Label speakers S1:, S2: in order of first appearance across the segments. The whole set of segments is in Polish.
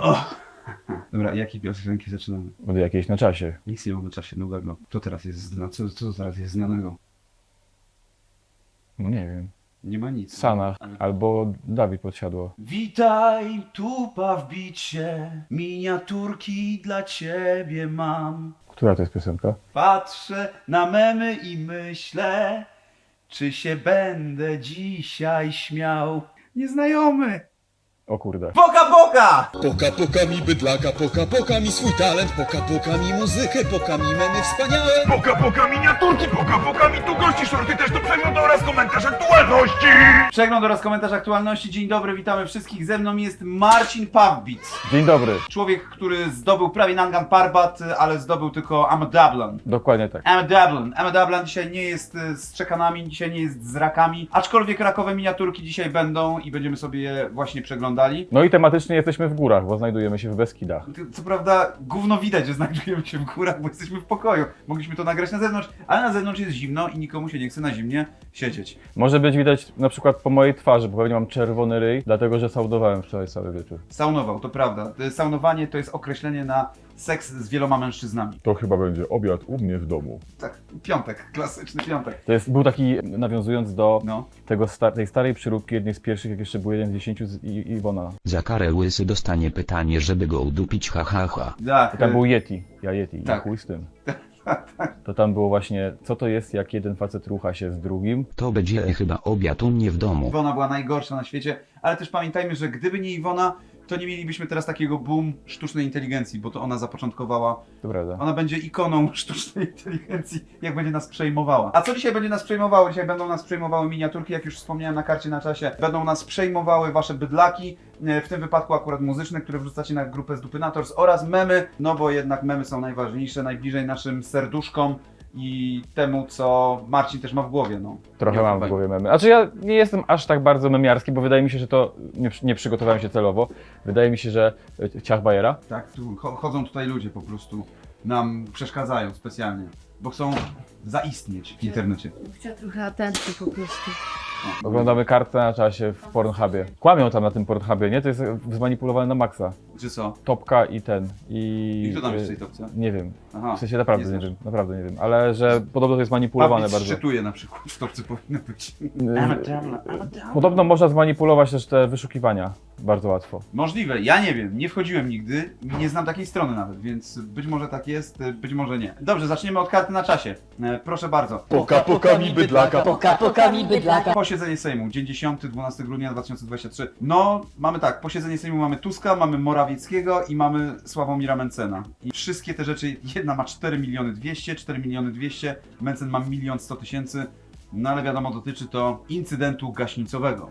S1: Dobra, jakie piosenki zaczynamy?
S2: Od jakiejś na czasie.
S1: Nic nie mam w czasie nowego. Co teraz jest co teraz jest znanego?
S2: No nie wiem.
S1: Nie ma nic.
S2: Sanach albo Dawid Podsiadło.
S1: Witaj, tupa w bicie, miniaturki dla ciebie mam.
S2: Która to jest piosenka?
S1: Patrzę na memy i myślę, czy się będę dzisiaj śmiał. Nieznajomy!
S2: O kurde.
S1: Poka, poka!
S3: Poka poka mi bydlaka, poka mi swój talent, poka mi muzykę, poka mi memy wspaniałe.
S4: Poka miniaturki, poka mi tu gości, shorty też do przeglądu oraz komentarz aktualności.
S1: Przegląd oraz komentarz aktualności. Dzień dobry, witamy wszystkich. Ze mną jest Marcin Pawbic.
S2: Dzień dobry.
S1: Człowiek, który zdobył prawie Nangan Parbat, ale zdobył tylko Amadablan.
S2: Dokładnie tak.
S1: Amadablan dzisiaj nie jest z czekanami, dzisiaj nie jest z rakami, aczkolwiek rakowe miniaturki dzisiaj będą i będziemy sobie je właśnie przeglądali.
S2: No i tematycznie jesteśmy w górach, bo znajdujemy się w Beskidach.
S1: Co prawda gówno widać, że znajdujemy się w górach, bo jesteśmy w pokoju. Mogliśmy to nagrać na zewnątrz, ale na zewnątrz jest zimno i nikomu się nie chce na zimnie siedzieć.
S2: Może być widać na przykład po mojej twarzy, bo pewnie mam czerwony ryj, dlatego że saudowałem wczoraj cały wieczór.
S1: Saunował, to prawda. Saunowanie to jest określenie na seks z wieloma mężczyznami.
S2: To chyba będzie obiad u mnie w domu.
S1: Tak, piątek, klasyczny piątek.
S2: Był taki, nawiązując do
S1: No.
S2: tej starej przyróbki, jednej z pierwszych, jak jeszcze był 1 z 10 z Iwona.
S5: Za karę łysy dostanie pytanie, żeby go udupić, ha ha ha.
S1: Tak,
S2: I tam był Yeti, ja Yeti,
S1: Tak.
S2: tak. Chuj z tym. To tam było właśnie, co to jest, jak jeden facet rucha się z drugim.
S5: To będzie chyba obiad u mnie w domu.
S1: Iwona była najgorsza na świecie, ale też pamiętajmy, że gdyby nie Iwona, to nie mielibyśmy teraz takiego boom sztucznej inteligencji, bo to ona zapoczątkowała.
S2: To prawda.
S1: Ona będzie ikoną sztucznej inteligencji, jak będzie nas przejmowała. A co dzisiaj będzie nas przejmowało? Dzisiaj będą nas przejmowały miniaturki, jak już wspomniałem na karcie na czasie. Będą nas przejmowały wasze bydlaki, w tym wypadku akurat muzyczne, które wrzucacie na grupę z Dupynators oraz memy, no bo jednak memy są najważniejsze, najbliżej naszym serduszkom i temu, co Marcin też ma w głowie, no.
S2: Trochę
S1: Nie
S2: mam w
S1: odbywaj.
S2: głowie memy. Znaczy ja nie jestem aż tak bardzo memiarski, bo wydaje mi się, że to nie przygotowałem się celowo. Wydaje mi się, że ciach Bajera.
S1: Tak, tu chodzą tutaj ludzie po prostu, nam przeszkadzają specjalnie, bo chcą zaistnieć w internecie.
S6: Chciała trochę atencji po prostu.
S2: Oglądamy kartę na czasie w Pornhubie. Kłamią tam na tym Pornhubie, nie? To jest zmanipulowane na maksa.
S1: Czy co?
S2: Topka i ten. I
S1: I kto tam jest w tej topce?
S2: Nie wiem.
S1: Aha,
S2: W sensie naprawdę
S1: nie
S2: nie
S1: znasz.
S2: wiem. Naprawdę nie wiem. Ale że podobno to jest manipulowane
S1: Papic
S2: bardzo.
S1: szczytuje na przykład, w topce powinno być.
S2: Podobno można zmanipulować też te wyszukiwania bardzo łatwo.
S1: Możliwe, ja nie wiem, nie wchodziłem nigdy, nie znam takiej strony nawet, więc być może tak jest, być może nie. Dobrze, zaczniemy od karty na czasie. Proszę bardzo.
S3: Poka mi bydlaka,
S6: Poka mi bydlaka.
S1: Posiedzenie Sejmu, dzień 10, 12 grudnia 2023. No, mamy tak, posiedzenie Sejmu mamy Tuska, mamy Morawieckiego i mamy Sławomira Mencena. I wszystkie te rzeczy, jedna ma 4 miliony 200, 4 miliony 200, Mencen ma 1 100 000, no ale wiadomo, dotyczy to incydentu gaśnicowego.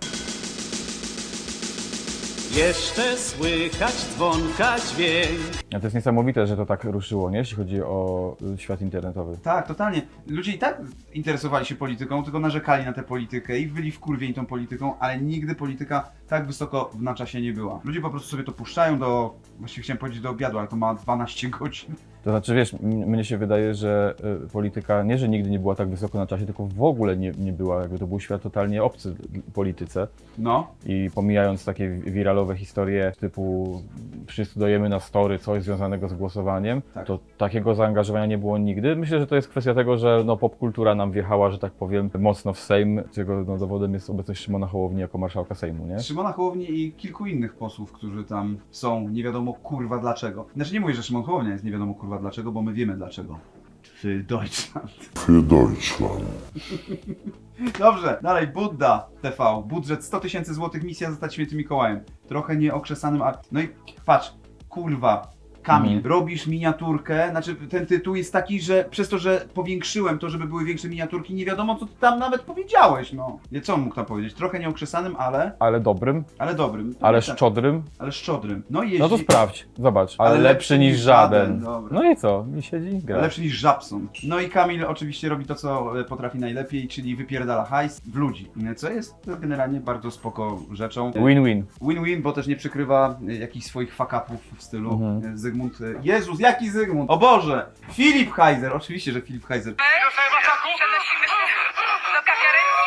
S7: Jeszcze słychać dzwonka dźwięk.
S2: A to jest niesamowite, że to tak ruszyło, nie? Jeśli chodzi o świat internetowy.
S1: Tak, totalnie. Ludzie i tak interesowali się polityką, tylko narzekali na tę politykę i byli wkurwieni tą polityką, ale nigdy polityka tak wysoko na czasie nie była. Ludzie po prostu sobie to puszczają właściwie chciałem powiedzieć do obiadu, ale to ma 12 godzin.
S2: To znaczy, wiesz, mnie się wydaje, że polityka nie, że nigdy nie była tak wysoko na czasie, tylko w ogóle nie była, jakby to był świat totalnie obcy polityce.
S1: No,
S2: I pomijając takie wiralowe historie typu wszyscy dajemy na story coś związanego z głosowaniem,
S1: Tak.
S2: to takiego zaangażowania nie było nigdy. Myślę, że to jest kwestia tego, że no, popkultura nam wjechała, że tak powiem, mocno w Sejm, czego no, dowodem jest obecność Szymona Hołowni jako marszałka Sejmu, nie?
S1: Szymona Hołowni i kilku innych posłów, którzy tam są, nie wiadomo kurwa dlaczego. Znaczy nie mówię, że Szymon Hołownia jest nie wiadomo kurwa dlaczego, bo my wiemy dlaczego. Für Deutschland.
S4: Für Deutschland.
S1: Dobrze, dalej, Budda TV, budżet 100 000 złotych, misja zostać świętym Mikołajem. Trochę nieokrzesanym, no i patrz, kurwa, Kamil, robisz miniaturkę, znaczy ten tytuł jest taki, że przez to, że powiększyłem to, żeby były większe miniaturki, nie wiadomo co ty tam nawet powiedziałeś, no. Nie, co on mógł tam powiedzieć? Trochę nieokrzesanym,
S2: Ale dobrym,
S1: ale dobrym.
S2: ale
S1: Tak,
S2: szczodrym.
S1: ale szczodrym. No i jeździ...
S2: No to sprawdź, zobacz.
S1: Ale
S2: Ale lepszy niż żaden.
S1: Dobra.
S2: No i co? I siedzi i gra.
S1: Lepszy niż Żabson. No i Kamil oczywiście robi to, co potrafi najlepiej, czyli wypierdala hajs w ludzi. Co jest generalnie bardzo spoko rzeczą.
S2: Win-win.
S1: Win-win, bo też nie przykrywa jakichś swoich fuck-upów w stylu Zygmunt... Jezus, jaki Zygmunt? O Boże! Filip Heiser! Oczywiście, że Filip Heiser.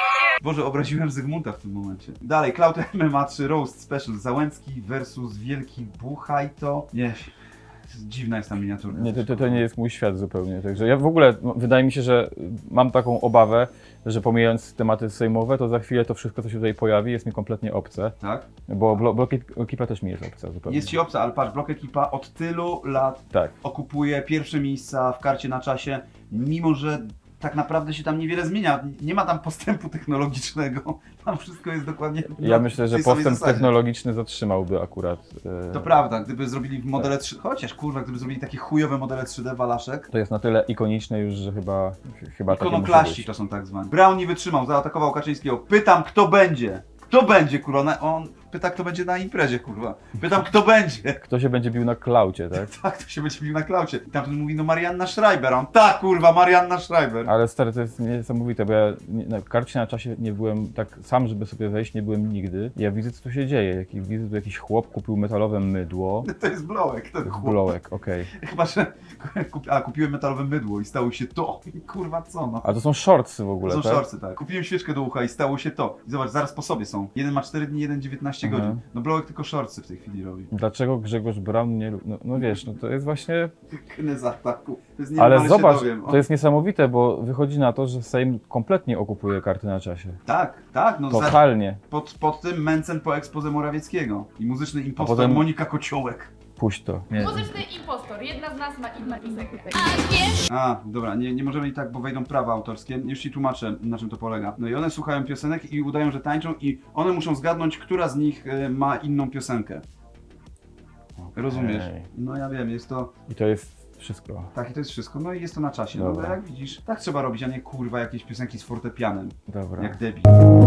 S1: Boże, obraziłem Zygmunta w tym momencie. Dalej, Cloud MMA 3 Roast Special. Załęcki versus Wielki Buchajto. Nie, dziwna jest ta miniaturka.
S2: Nie, to nie jest mój świat zupełnie. Także ja w ogóle, wydaje mi się, że mam taką obawę, że pomijając tematy sejmowe, to za chwilę to wszystko, co się tutaj pojawi, jest mi kompletnie obce.
S1: Tak?
S2: Bo Block Ekipa też mi jest obca zupełnie.
S1: Jest ci obca, ale patrz, Block Ekipa od tylu lat
S2: Tak.
S1: okupuje pierwsze miejsca w karcie na czasie, mimo że tak naprawdę się tam niewiele zmienia. Nie ma tam postępu technologicznego. Tam wszystko jest dokładnie
S2: Ja myślę, że
S1: tej samej
S2: postęp
S1: zasadzie.
S2: technologiczny zatrzymałby akurat.
S1: To prawda, gdyby zrobili modele 3D, chociaż kurwa, gdyby zrobili takie chujowe modele 3D walaszek,
S2: To jest na tyle ikoniczne już, że chyba takie musi
S1: ikonoklaści
S2: być.
S1: to są tak zwani. Brown nie wytrzymał, zaatakował Kaczyńskiego. Pytam, kto będzie? Kto będzie, kurwa? On pyta, kto będzie na imprezie, kurwa. Pytam, kto będzie?
S2: Kto się będzie bił na klaucie, tak?
S1: Tak, to się będzie bił na klaucie. I tamten mówi, no Marianna Schreiber. A on, tak, kurwa, Marianna Schreiber.
S2: Ale stary, to jest niesamowite, bo ja na karcie na czasie nie byłem tak sam, żeby sobie wejść, nie byłem nigdy. Ja widzę, co tu się dzieje. Widzę, tu jakiś chłop kupił metalowe mydło.
S1: To jest blołek, ten chłop.
S2: Blołek, okej.
S1: Chyba, że kupiłem metalowe mydło i stało się to. I kurwa, co no?
S2: A to są shortsy w ogóle,
S1: Są
S2: tak?
S1: szorcy, tak. Kupiłem świeczkę do ucha i stało się to. I zobacz, zaraz po sobie są. Jeden ma 4 dni, jeden 19
S2: Mhm.
S1: godzin. No blołek tylko szorcy w tej chwili robi.
S2: Dlaczego Grzegorz Braun nie lubi? No wiesz, no to jest właśnie...
S1: Kny z ataku. To jest
S2: Ale
S1: nienormalne,
S2: zobacz,
S1: się dowiem. O,
S2: to jest niesamowite, bo wychodzi na to, że Sejm kompletnie okupuje karty na czasie.
S1: Tak, no
S2: Totalnie.
S1: pod tym Mencen po expose Morawieckiego. I muzyczny impostor
S2: potem-
S1: Monika Kociołek.
S2: Puść to. Nie.
S8: Muzyczny impostor. Jedna z nas ma inną piosenkę.
S1: A, dobra, nie możemy i tak, bo wejdą prawa autorskie. Już ci tłumaczę, na czym to polega. No i one słuchają piosenek i udają, że tańczą i one muszą zgadnąć, która z nich ma inną piosenkę. Rozumiesz?
S2: Okej.
S1: No ja wiem, jest to...
S2: I to jest wszystko.
S1: Tak, i to jest wszystko. No i jest to na czasie. No
S2: Dobra.
S1: bo jak widzisz, tak trzeba robić, a nie kurwa jakieś piosenki z fortepianem.
S2: Dobra.
S1: Jak debil.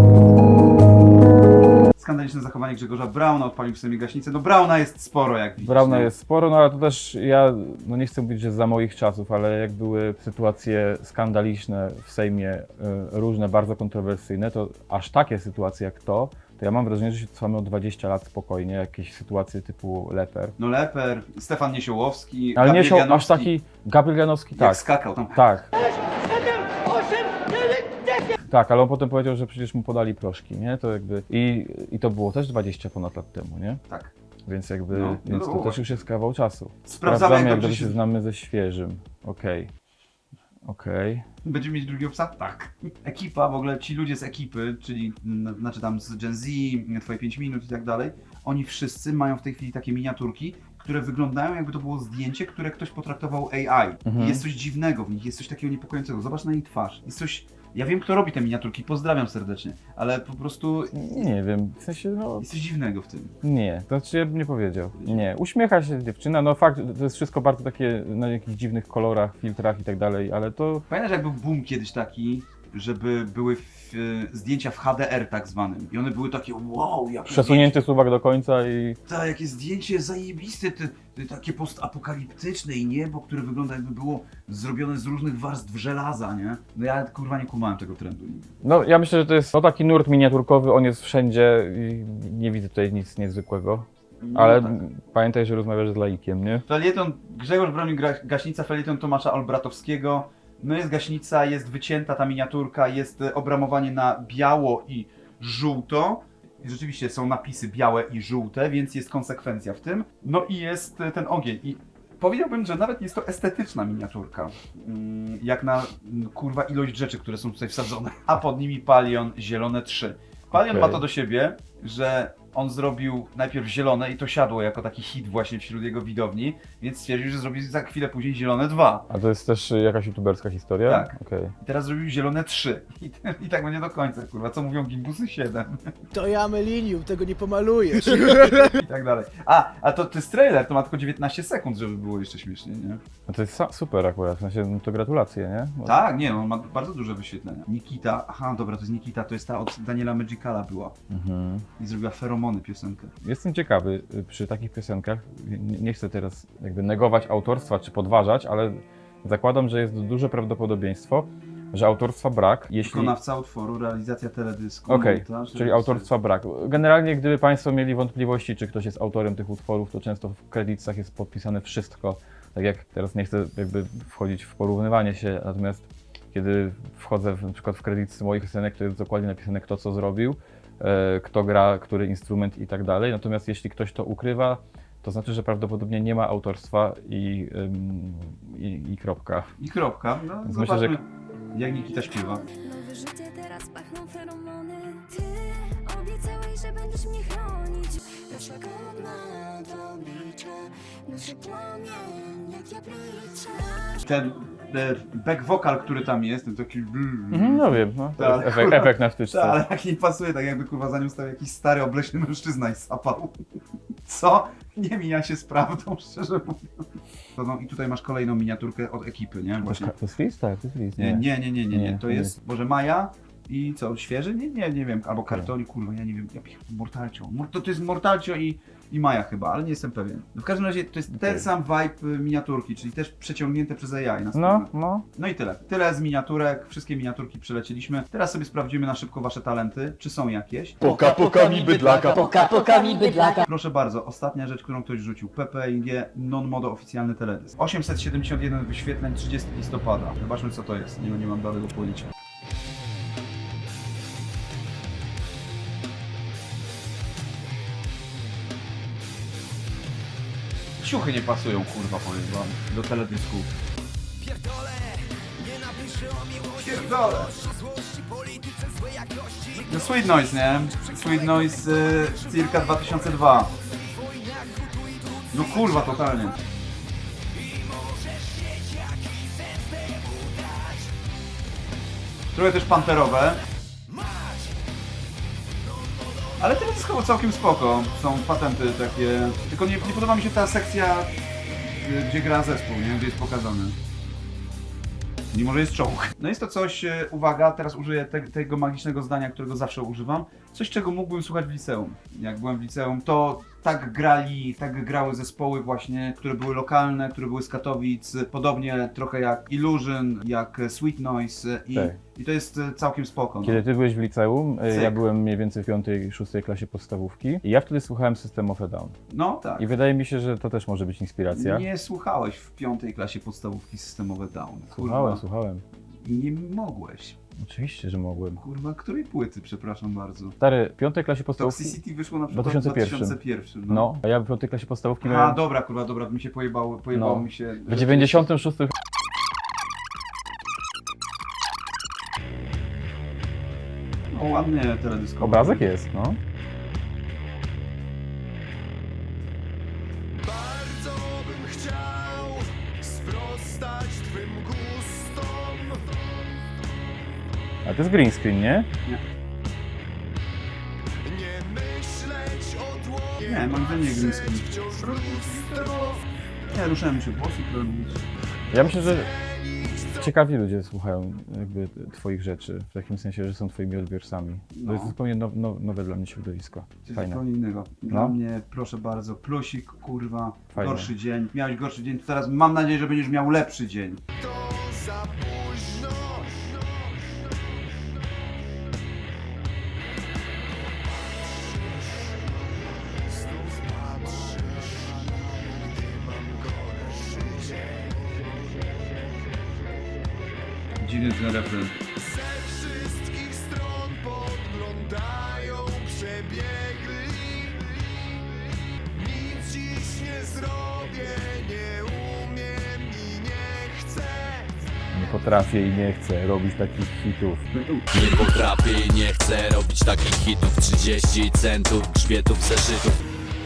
S1: Skandaliczne zachowanie Grzegorza Brauna, odpalił w sobie gaśnicę. No Brauna jest sporo, jak widzisz.
S2: Brauna
S1: no.
S2: jest sporo, no ale to też ja, no nie chcę mówić, że za moich czasów, ale jak były sytuacje skandaliczne w Sejmie, różne, bardzo kontrowersyjne, to aż takie sytuacje jak to ja mam wrażenie, że się cofamy o 20 lat spokojnie, jakieś sytuacje typu Leper.
S1: No Leper, Stefan Niesiołowski,
S2: Ale nie
S1: Gabriel
S2: się aż
S1: Janowski,
S2: taki, Gabriel Janowski,
S1: jak
S2: tak.
S1: skakał tam.
S2: Tak. Tak, ale on potem powiedział, że przecież mu podali proszki, nie? To jakby i to było też 20 ponad lat temu, nie?
S1: Tak.
S2: Więc jakby,
S1: No,
S2: więc
S1: no
S2: to
S1: właśnie.
S2: też już jest kawał czasu.
S1: Sprawdzamy, jak
S2: jak
S1: dobrze
S2: dobrze
S1: się...
S2: się znamy ze świeżym. Okej.
S1: Będziemy mieć drugiego psa? Tak. Ekipa, w ogóle ci ludzie z ekipy, czyli znaczy tam z Gen Z, Twoje 5 minut i tak dalej, oni wszyscy mają w tej chwili takie miniaturki, które wyglądają jakby to było zdjęcie, które ktoś potraktował AI. I jest coś dziwnego w nich, jest coś takiego niepokojącego. Zobacz na jej twarz. Jest coś... Ja wiem, kto robi te miniaturki, pozdrawiam serdecznie, ale po prostu
S2: Nie wiem, w sensie no...
S1: jest coś dziwnego w tym.
S2: Nie, to znaczy ja bym nie powiedział. Nie, uśmiecha się dziewczyna, no fakt, to jest wszystko bardzo takie na jakichś dziwnych kolorach, filtrach i tak dalej, ale to...
S1: Pamiętasz, jak był boom kiedyś taki, żeby były zdjęcia w HDR tak zwanym i one były takie wow, jakie
S2: Przesunięty suwak do końca i...
S1: zdjęcie, jakie zdjęcie zajebiste, takie postapokaliptyczne i niebo, które wygląda jakby było zrobione z różnych warstw żelaza, nie? No ja kurwa nie kumałem tego trendu nigdy.
S2: No ja myślę, że to jest taki nurt miniaturkowy, on jest wszędzie i nie widzę tutaj nic niezwykłego.
S1: No
S2: Ale
S1: tak.
S2: pamiętaj, że rozmawiasz z laikiem, nie?
S1: Felieton, Grzegorz bronił gaśnica, felieton Tomasza Olbratowskiego. No jest gaśnica, jest wycięta ta miniaturka, jest obramowanie na biało i żółto. I rzeczywiście są napisy białe i żółte, więc jest konsekwencja w tym. No i jest ten ogień. I powiedziałbym, że nawet jest to estetyczna miniaturka. Jak na kurwa ilość rzeczy, które są tutaj wsadzone. A pod nimi Palion Zielone 3. Palion
S2: Okej.
S1: ma to do siebie, że on zrobił najpierw zielone i to siadło jako taki hit właśnie wśród jego widowni, więc stwierdził, że zrobi za chwilę później zielone 2.
S2: A to jest też jakaś youtuberska historia?
S1: Tak.
S2: Okej.
S1: I teraz zrobił zielone 3. I tak będzie do końca, kurwa. Co mówią gimbusy 7
S9: To ja Melinium, tego nie pomalujesz.
S1: i tak dalej. A to jest trailer, to ma tylko 19 sekund, żeby było jeszcze śmiesznie, nie?
S2: No to jest super akurat, w sensie no to gratulacje, nie? Bo...
S1: Tak, nie, on ma bardzo duże wyświetlenia. Nikita, aha, dobra, to jest Nikita, to jest ta od Daniela Magicala była.
S2: Mhm.
S1: I zrobiła Feromony piosenkę.
S2: Jestem ciekawy przy takich piosenkach, nie chcę teraz jakby negować autorstwa czy podważać, ale zakładam, że jest duże prawdopodobieństwo, że autorstwa brak, jeśli...
S1: Wykonawca utworu, realizacja teledysku,
S2: Okej,
S1: montaż,
S2: czyli
S1: reżyser.
S2: autorstwa brak. Generalnie gdyby Państwo mieli wątpliwości, czy ktoś jest autorem tych utworów, to często w kredytach jest podpisane wszystko, tak jak teraz nie chcę jakby wchodzić w porównywanie się, natomiast kiedy wchodzę na przykład w kredyt moich piosenek, to jest dokładnie napisane, kto co zrobił, kto gra, który instrument i tak dalej. Natomiast jeśli ktoś to ukrywa, to znaczy, że prawdopodobnie nie ma autorstwa i kropka.
S1: I kropka. No,
S2: Więc
S1: zobaczmy,
S2: myślę,
S1: jak Nikita śpiewa.
S10: Nowe życie, teraz pachną feromony. Ty obiecałeś, że będziesz mnie chronić. Lecz jak odmala to oblicza, duszy płomień, jak ja pliczę.
S1: Ten back vocal, który tam jest, ten taki...
S2: No wiem, no. To
S1: Tak,
S2: jest
S1: kurwa.
S2: efekt na wtyczce.
S1: Tak, ale jak nie pasuje, tak jakby kurwa za nią stał jakiś stary, obleśny mężczyzna i sapał. Co? Nie mija się z prawdą, szczerze mówiąc. No i tutaj masz kolejną miniaturkę od ekipy, nie? Właśnie.
S2: To jest Flis? Tak, to jest Flis.
S1: Nie. To jest, może Maja i co, świeży? Nie wiem, albo kartoni, kurwa, ja nie wiem, Mortalcio. To jest Mortalcio i Maja chyba, ale nie jestem pewien. No w każdym razie to jest ten sam vibe miniaturki, czyli też przeciągnięte przez AI na stronę. No i tyle. Tyle z miniaturek, wszystkie miniaturki przelecieliśmy. Teraz sobie sprawdzimy na szybko wasze talenty, czy są jakieś.
S3: Poka poka mi bydlaka.
S6: Poka mi bydlaka.
S1: Proszę bardzo, ostatnia rzecz, którą ktoś rzucił. PPIG non-modo oficjalny teledysk. 871 wyświetleń, 30 listopada. Zobaczmy co to jest, nie mam dalego pojęcia. Ciuchy nie pasują, kurwa, powiem wam, do teledysku. Pierdolę! No Sweet Noise, nie? Sweet Noise circa 2002. No kurwa, totalnie. Trochę też panterowe. Ale teledyskowo całkiem spoko. Są patenty takie. Tylko nie podoba mi się ta sekcja, gdzie gra zespół, nie? Gdzie jest pokazany. Mimo, że jest czołg. No jest to coś, uwaga, teraz użyję tego magicznego zdania, którego zawsze używam. Coś, czego mógłbym słuchać w liceum. Jak byłem w liceum, to tak grały zespoły właśnie, które były lokalne, które były z Katowic. Podobnie trochę jak Illusion, jak Sweet Noise i to jest całkiem spoko. No.
S2: Kiedy ty byłeś w liceum,
S1: Cyk.
S2: ja byłem mniej więcej w 5-6 klasie podstawówki i ja wtedy słuchałem System of a Down.
S1: No tak.
S2: I wydaje mi się, że to też może być inspiracja.
S1: Nie słuchałeś w 5. klasie podstawówki Systemowe Down.
S2: Słuchałem.
S1: I nie mogłeś.
S2: Oczywiście, że mogłem.
S1: Kurwa, której płyty, przepraszam bardzo.
S2: Stary, w 5. klasie podstawówki...
S1: Toxicity wyszło na przykład w
S2: 2001.
S1: 2001.
S2: No, a ja w 5. klasie podstawówki
S1: A,
S2: miałem...
S1: dobra, mi się pojebało mi się...
S2: W 96.
S1: No ładnie teledyskowo.
S2: Obrazek jest, no.
S3: Bardzo bym chciał sprostać twym gustom.
S2: A to jest green screen, nie?
S3: Nie myśleć o dłoniach.
S1: Nie, mam wrażenie green screen.
S3: Wciąż lustro.
S1: Nie, ruszałem się włosy, które mówić.
S2: Ja myślę, że ciekawi ludzie słuchają jakby twoich rzeczy, w takim sensie, że są twoimi odbiorcami.
S1: No.
S2: To jest zupełnie nowe dla mnie środowisko.
S1: Coś
S2: Fajne.
S1: zupełnie innego. Dla
S2: No.
S1: mnie, proszę bardzo, plusik, kurwa,
S2: Fajne.
S1: gorszy dzień. Miałeś gorszy dzień, to teraz mam nadzieję, że będziesz miał lepszy dzień.
S3: To za późno. Znów patrzysz, gdy mam gorszy dzień.
S1: Dziwny ten refren.
S3: Ze wszystkich stron podglądają przebiegli. Nic dziś nie zrobię, nie umiem i nie chcę.
S2: Nie potrafię i nie chcę robić takich hitów.
S7: Nie potrafię i nie chcę robić takich hitów. 30 centów, grzbietów, zeszytów.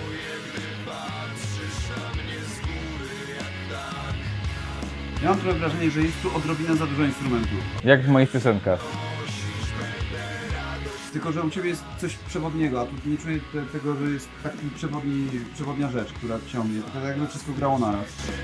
S1: Ja mam trochę wrażenie, że jest tu odrobinę za dużo instrumentów.
S2: Jak w moich piosenkach.
S1: Tylko, że u Ciebie jest coś przewodniego, a tu nie czuję tego, że jest taki przewodnia rzecz, która ciągnie. To tak jakby wszystko grało naraz.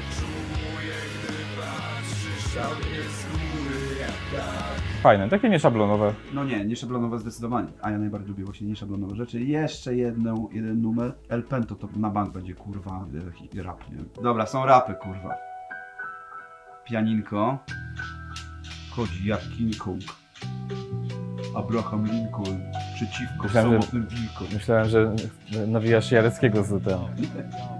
S2: Fajne, takie nieszablonowe.
S1: No nie szablonowe zdecydowanie. A ja najbardziej lubię właśnie nieszablonowe rzeczy. Jeszcze jeden numer. El Pento to na bank będzie, kurwa, rap, nie? Dobra, są rapy, kurwa. Pianinko. Chodzi jak King Kong. Abraham Lincoln przeciwko
S2: Myślałem, że-
S1: samotnym wilkom.
S2: Myślałem, że nawijasz Jareckiego z tym.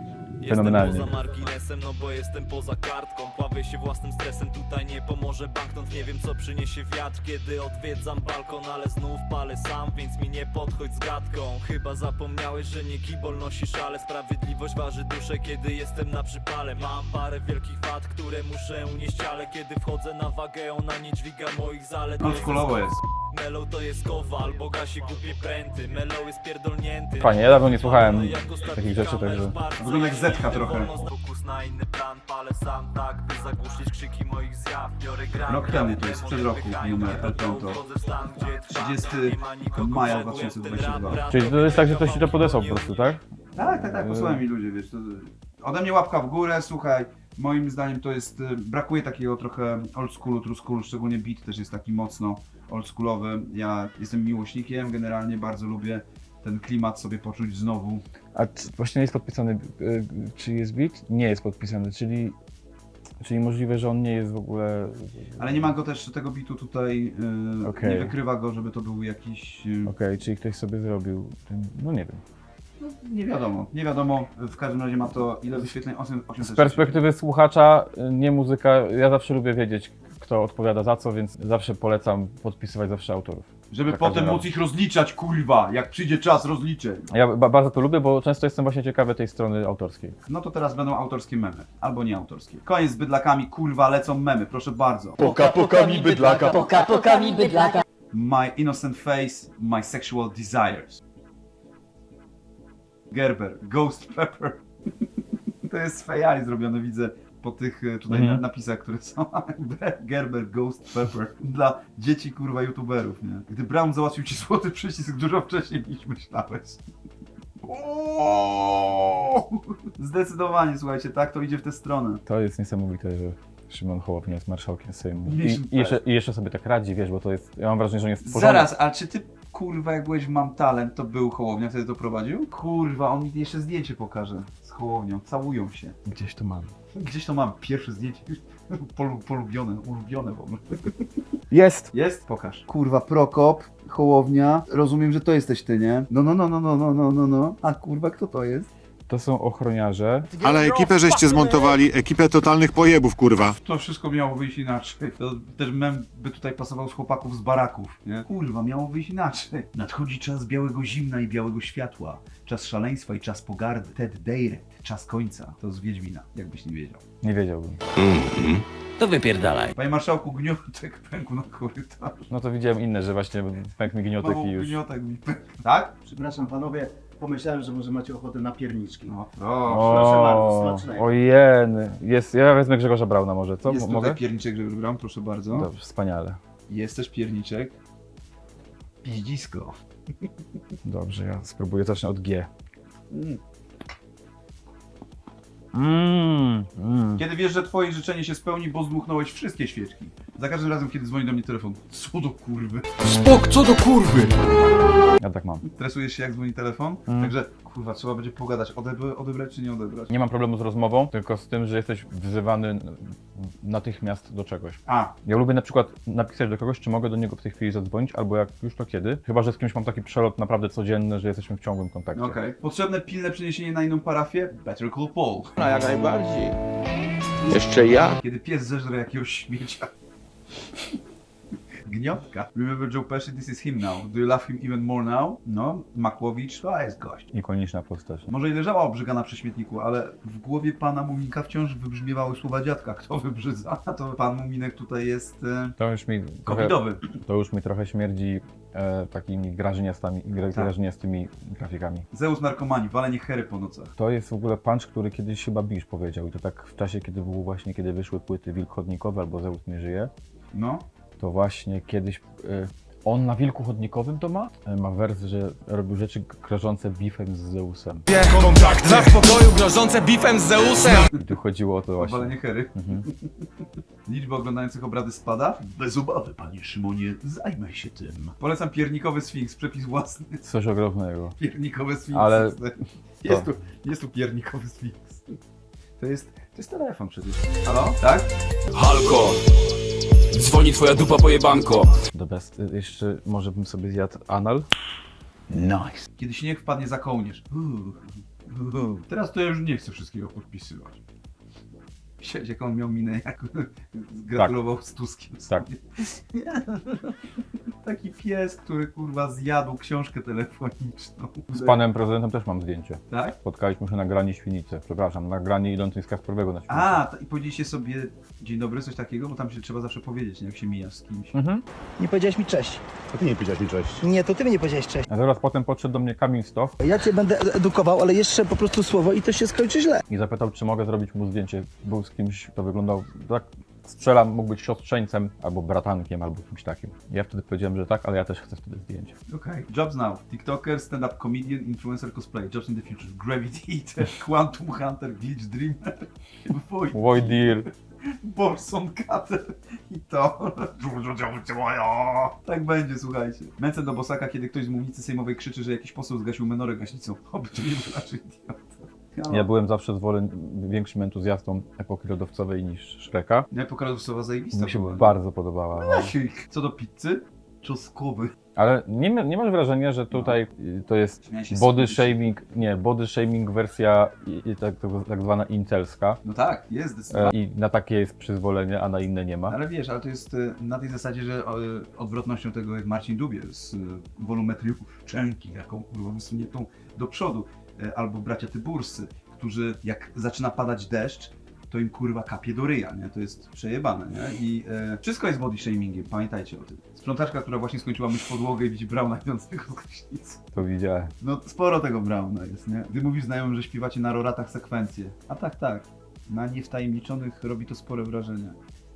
S2: fenomenalnie.
S7: Jestem poza marginesem, no bo jestem poza kartką. Bawię się własnym stresem, tutaj nie pomoże banknot. Nie wiem co przyniesie wiatr, kiedy odwiedzam balkon, ale znów palę sam, więc mi nie podchodź z gadką. Chyba zapomniałeś, że nie kibol nosisz, ale sprawiedliwość waży duszę, kiedy jestem na przypale. Mam parę wielkich wad, które muszę unieść, ale kiedy wchodzę na wagę, ona nie dźwiga moich zalet.
S1: Oldschoolowo jest.
S7: Melo to jest kowal, bo gasi głupie pręty. Melo jest pierdolnięty.
S2: Fajnie, ja dawno nie słuchałem takich rzeczy, także...
S1: Wygląda jak Zetka trochę.
S7: Fokus na inny plan, palę sam tak, by zagłuszyć krzyki moich zjaw. Biorę gram,
S1: Rok temu to jest, sprzed roku, numer El Tonto. 30 maja 2022.
S2: Czyli to jest tak, że ktoś ci to podesłał po prostu, tak?
S1: Tak, posłuchaj mi ludzie, wiesz, to ode mnie łapka w górę, słuchaj, moim zdaniem to jest, brakuje takiego trochę old schoolu, true schoolu, szczególnie beat też jest taki mocno oldschoolowy. Ja jestem miłośnikiem, generalnie bardzo lubię ten klimat sobie poczuć znowu.
S2: A właśnie nie jest podpisany, czy jest beat? Nie jest podpisany, czyli możliwe, że on nie jest w ogóle...
S1: Ale nie ma go też, tego bitu tutaj,
S2: Okej.
S1: nie wykrywa go, żeby to był jakiś...
S2: Okej, czyli ktoś sobie zrobił, no nie wiem.
S1: Nie wiadomo, w każdym razie ma to ile wyświetleń? 800.
S2: Z perspektywy słuchacza, nie muzyka, ja zawsze lubię wiedzieć, kto odpowiada za co, więc zawsze polecam podpisywać zawsze autorów.
S1: Żeby
S2: Za
S1: potem
S2: każdym
S1: móc ich rozliczać, kurwa, jak przyjdzie czas rozliczeń.
S2: Ja bardzo to lubię, bo często jestem właśnie ciekawy tej strony autorskiej.
S1: No to teraz będą autorskie memy, albo nie autorskie. Koniec z bydlakami, kurwa, lecą memy, proszę bardzo.
S3: Poka mi bydlaka.
S6: Poka mi bydlaka.
S1: My innocent face, my sexual desires. Gerber, Ghost Pepper. To jest z AI zrobione, widzę po tych tutaj napisach, które są. Gerber, Ghost Pepper. Dla dzieci, kurwa, youtuberów, nie? Gdy Brown załatwił ci złoty przycisk dużo wcześniej niż myślałeś. Zdecydowanie, słuchajcie, tak to idzie w tę stronę.
S2: To jest niesamowite, że Szymon Hołownia jest marszałkiem Sejmu.
S1: Mieliśmy
S2: I jeszcze sobie tak radzi, wiesz, bo to jest, ja mam wrażenie, że on jest porządny.
S1: Zaraz, a czy ty, kurwa, jak byłeś w Mam Talent, to był Hołownia, wtedy to prowadził? Kurwa, on mi jeszcze zdjęcie pokaże z Hołownią, całują się.
S2: Gdzieś to mam.
S1: Gdzieś to mam, pierwsze zdjęcie, polubione, ulubione w ogóle.
S2: Jest!
S1: Jest? Pokaż. Kurwa, Prokop, Hołownia, rozumiem, że to jesteś ty, nie? No. A kurwa, kto to jest?
S2: To są ochroniarze.
S4: Ale ekipę żeście zmontowali, ekipę totalnych pojebów, kurwa.
S1: To wszystko miało wyjść inaczej. To też mem by tutaj pasował z chłopaków z baraków, nie? Kurwa, miało wyjść inaczej. Nadchodzi czas białego zimna i białego światła. Czas szaleństwa i czas pogardy. Ted Deiret, czas końca. To z Wiedźmina, jakbyś nie wiedział.
S2: Nie wiedziałbym.
S7: To wypierdalaj.
S1: Panie marszałku, gniotek pękł na korytarzu.
S2: No to widziałem inne, że właśnie pękł mi gniotek
S1: Znowu
S2: i już.
S1: gniotek mi pękł. Tak?
S9: Przepraszam panowie, pomyślałem, że może macie ochotę na pierniczki.
S1: No,
S9: Proszę bardzo, smacznego.
S2: Ojeny. Jest, ja wezmę Grzegorza Brauna może, co?
S1: jest
S2: Mogę?
S1: tutaj pierniczek, żeby wybrałem, proszę bardzo.
S2: Dobrze, wspaniale.
S1: Jest też pierniczek. Piździsko.
S2: Dobrze, ja spróbuję, zacznę od G.
S1: Kiedy wiesz, że twoje życzenie się spełni, bo zdmuchnąłeś wszystkie świeczki. Za każdym razem, kiedy dzwoni do mnie telefon. Co do kurwy.
S3: Spok, co do kurwy!
S2: Ja tak mam.
S1: Stresujesz się, jak dzwoni telefon? Także, kurwa, trzeba będzie pogadać. Odebrać czy nie odebrać?
S2: Nie mam problemu z rozmową, tylko z tym, że jesteś wzywany natychmiast do czegoś.
S1: A,
S2: Ja lubię na przykład napisać do kogoś, czy mogę do niego w tej chwili zadzwonić, albo jak już to kiedy. Chyba że z kimś mam taki przelot naprawdę codzienny, że jesteśmy w ciągłym kontakcie.
S1: okej. Potrzebne pilne przeniesienie na inną parafię? Better call Paul.
S9: No jak najbardziej. Jeszcze ja?
S1: Kiedy pies zeżre jakiegoś śmiecia. Gniotka. Remember Joe Pesci, this is him now. Do you love him even more now? No, Makłowicz, to jest gość.
S2: Ikoniczna postać.
S1: Może i leżała obrzygana przy śmietniku, ale w głowie pana Muminka wciąż wybrzmiewały słowa dziadka. Kto wybrzydza? A to pan Muminek tutaj jest
S2: To już mi trochę,
S1: covidowy.
S2: to już mi trochę śmierdzi takimi grażyniastymi grafikami.
S1: Zeus narkomanii, walenie hery po nocach.
S2: To jest w ogóle punch, który kiedyś chyba Bisz powiedział i to tak w czasie, kiedy było właśnie, kiedy wyszły płyty Wilk Chodnikowy albo Zeus nie żyje,
S1: No.
S2: to właśnie kiedyś on na Wilku Chodnikowym to ma wers, że robił rzeczy grożące bifem z Zeusem.
S7: Dla spokoju grożące bifem z Zeusem.
S2: I tu chodziło o to właśnie.
S1: Walenie hery. Liczba oglądających obrady spada? Bez obawy, panie Szymonie, zajmę się tym. Polecam piernikowy Sfinks, przepis własny.
S2: Coś ogromnego.
S1: Piernikowy Sfinks.
S2: Ale-
S1: Jest tu piernikowy Sfinks. To jest telefon przecież. Halo? Tak?
S7: Halko. Dzwoni twoja dupa pojebanko.
S2: The best. Jeszcze może bym sobie zjadł anal?
S1: Nice. Kiedy śnieg wpadnie za kołnierz. Teraz to ja już nie chcę wszystkiego podpisywać. Siedź, jak on miał minę, jak gratulował z Tuskiem.
S2: Tak.
S1: Taki pies, który kurwa zjadł książkę telefoniczną.
S2: Z panem prezydentem też mam zdjęcie.
S1: Tak?
S2: Spotkaliśmy się na granie świnicy. Przepraszam, na granie idącej z Kasprowego na świnicę.
S1: A, i powiedzieliście sobie dzień dobry, coś takiego, bo tam się trzeba zawsze powiedzieć, nie? Jak się mijasz z kimś.
S9: Nie powiedziałeś mi cześć.
S4: A ty nie powiedziałeś mi cześć.
S9: Nie, to ty mi nie powiedziałeś cześć.
S2: A zaraz potem podszedł do mnie Kamil Stoch
S9: Ja cię będę edukował, ale jeszcze po prostu słowo i to się skończy źle.
S2: i zapytał, czy mogę zrobić mu zdjęcie. Był z kimś, kto wyglądał tak, strzelam, mógł być siostrzeńcem, albo bratankiem, albo kimś takim. Ja wtedy powiedziałem, że tak, ale ja też chcę wtedy zdjęcie.
S1: Okay. Jobs now. TikToker, stand-up comedian, influencer, cosplay. Jobs in the future. Gravity Eater, Quantum Hunter, Village Dreamer,
S2: Void Deal.
S1: Borson Cutter i to. Tak będzie, słuchajcie. Męcę do Bosaka, kiedy ktoś z mównicy sejmowej krzyczy, że jakiś poseł zgasił menorę gaśnicą. Oby to nie był raczej idiota.
S2: Ja byłem zawsze większym entuzjastą epoki lodowcowej niż Shreka.
S1: Epoka lodowcowa zajebista
S2: Mi się
S1: była.
S2: bardzo podobała. No.
S1: Co do pizzy? Czosnkowy.
S2: Ale nie masz wrażenia, że tutaj to jest
S1: Śmiałem się
S2: body
S1: z-
S2: shaming, nie, body shaming wersja tak zwana incelska
S1: No tak, jest zdecydowanie.
S2: i na takie jest przyzwolenie, a na inne nie ma.
S1: Ale wiesz, ale to jest na tej zasadzie, że odwrotnością tego jest Marcin Dubiel z wolumetrią Szczęki, jaką kurwa wysuniętą do przodu. Albo bracia Tyburscy, którzy jak zaczyna padać deszcz, to im kurwa kapie do ryja, nie? To jest przejebane, nie? I wszystko jest body shamingiem, pamiętajcie o tym. Sprzątaczka, która właśnie skończyła myć podłogę i widzi Brauna idącego z gaśnicy.
S2: To widziałem.
S1: No sporo tego Brauna jest, nie? Ty mówisz znajomym, że śpiewacie na roratach sekwencje. A tak. Na niewtajemniczonych robi to spore wrażenie.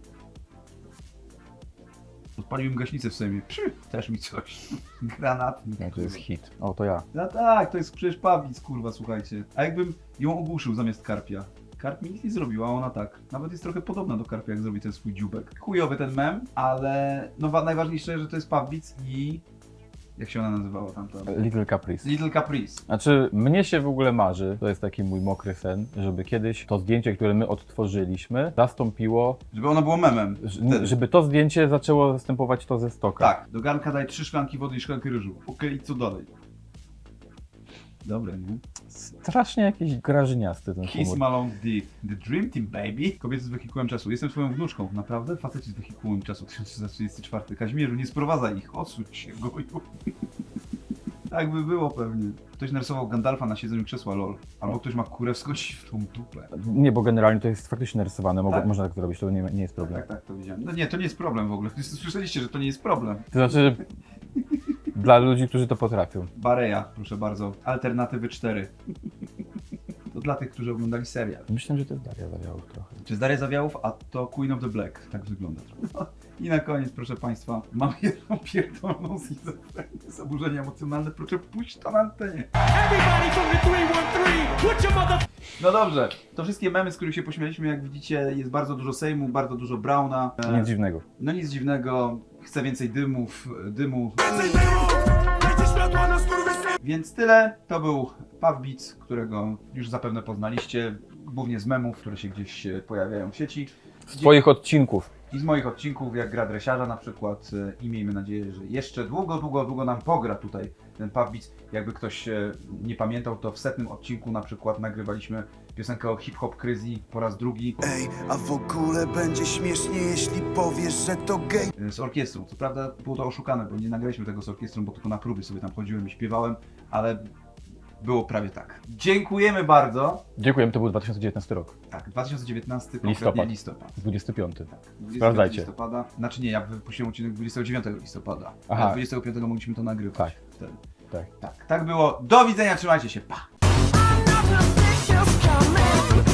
S1: Odpaliłem gaśnicę w Sejmie. Też mi coś. Granatnik.
S2: No, to jest hit. O, to ja.
S1: No tak, to jest przecież Pawlic, kurwa, słuchajcie. A jakbym ją ogłuszył zamiast Karpia? Karp mi nic nie zrobiła, a ona tak. Nawet jest trochę podobna do Karpia, jak zrobi ten swój dziubek. Chujowy ten mem, ale no najważniejsze, że to jest Pawlic i... Jak się ona nazywała tamta?
S2: Little Caprice.
S1: Little Caprice.
S2: Znaczy, mnie się w ogóle marzy, to jest taki mój mokry sen, żeby kiedyś to zdjęcie, które my odtworzyliśmy, zastąpiło,
S1: Żeby ono było memem. Wtedy.
S2: żeby to zdjęcie zaczęło zastępować to ze stoka.
S1: Tak, do garnka daj 3 szklanki wody i szklankę ryżu. Okej, i co dalej? Dobre, nie?
S2: Strasznie jakiś grażyniasty ten
S1: Kiss
S2: humor.
S1: Malone The Dream Team, baby. Kobiety z wehikułem czasu. Jestem twoją wnuczką, naprawdę? Faceci z wehikułem czasu 1334. Kazimierzu, nie sprowadzaj ich, odsuń się, goju. Tak by było pewnie. Ktoś narysował Gandalfa na siedzeniu krzesła, lol. Albo ktoś ma kurewską siwą dupę.
S2: Nie, bo generalnie to jest faktycznie narysowane,
S1: Tak?
S2: można tak zrobić, to nie jest problem.
S1: Tak, to widziałem. No nie, to nie jest problem w ogóle. Słyszeliście, że to nie jest problem.
S2: To znaczy, dla ludzi, którzy to potrafią.
S1: Bareja, proszę bardzo. Alternatywy 4. To dla tych, którzy oglądali serial.
S2: Myślę, że to jest Daria Zawiałów trochę.
S1: Czy z Daria Zawiałów, a to Queen of the Black. Tak wygląda trochę. I na koniec, proszę Państwa, mam jedną pierdoloną schizofrenię, zaburzenia emocjonalne, proszę puść to na antenie. No dobrze, to wszystkie memy, z których się pośmialiśmy, jak widzicie, jest bardzo dużo Sejmu, bardzo dużo Brauna.
S2: Nic dziwnego.
S1: No nic dziwnego, chcę więcej dymu. Więc tyle, to był Pawbic, którego już zapewne poznaliście, głównie z memów, które się gdzieś pojawiają w sieci.
S2: Z twoich odcinków.
S1: I z moich odcinków, jak gra dresiarza na przykład, i miejmy nadzieję, że jeszcze długo nam pogra tutaj ten Pawbic. Jakby ktoś nie pamiętał, to w 100. odcinku na przykład nagrywaliśmy piosenkę o hip-hop kryzji po raz drugi
S3: Ej, a w ogóle będzie śmiesznie, jeśli powiesz, że to gej.
S1: z orkiestrą. Co prawda było to oszukane, bo nie nagraliśmy tego z orkiestrą, bo tylko na próby sobie tam chodziłem i śpiewałem, ale było prawie tak. Dziękujemy bardzo.
S2: Dziękujemy, to był 2019 rok.
S1: Tak, 2019,
S2: Listopad.
S1: listopad.
S2: 25.
S1: 25
S2: Sprawdzajcie.
S1: listopada. Znaczy nie, ja wypuściłem odcinek 29 listopada.
S2: Aha.
S1: A 25 mogliśmy to nagrywać.
S2: Tak.
S1: Wtedy.
S2: Tak.
S1: Tak było. Do widzenia, trzymajcie się. Pa!
S10: I'm not gonna take your comment.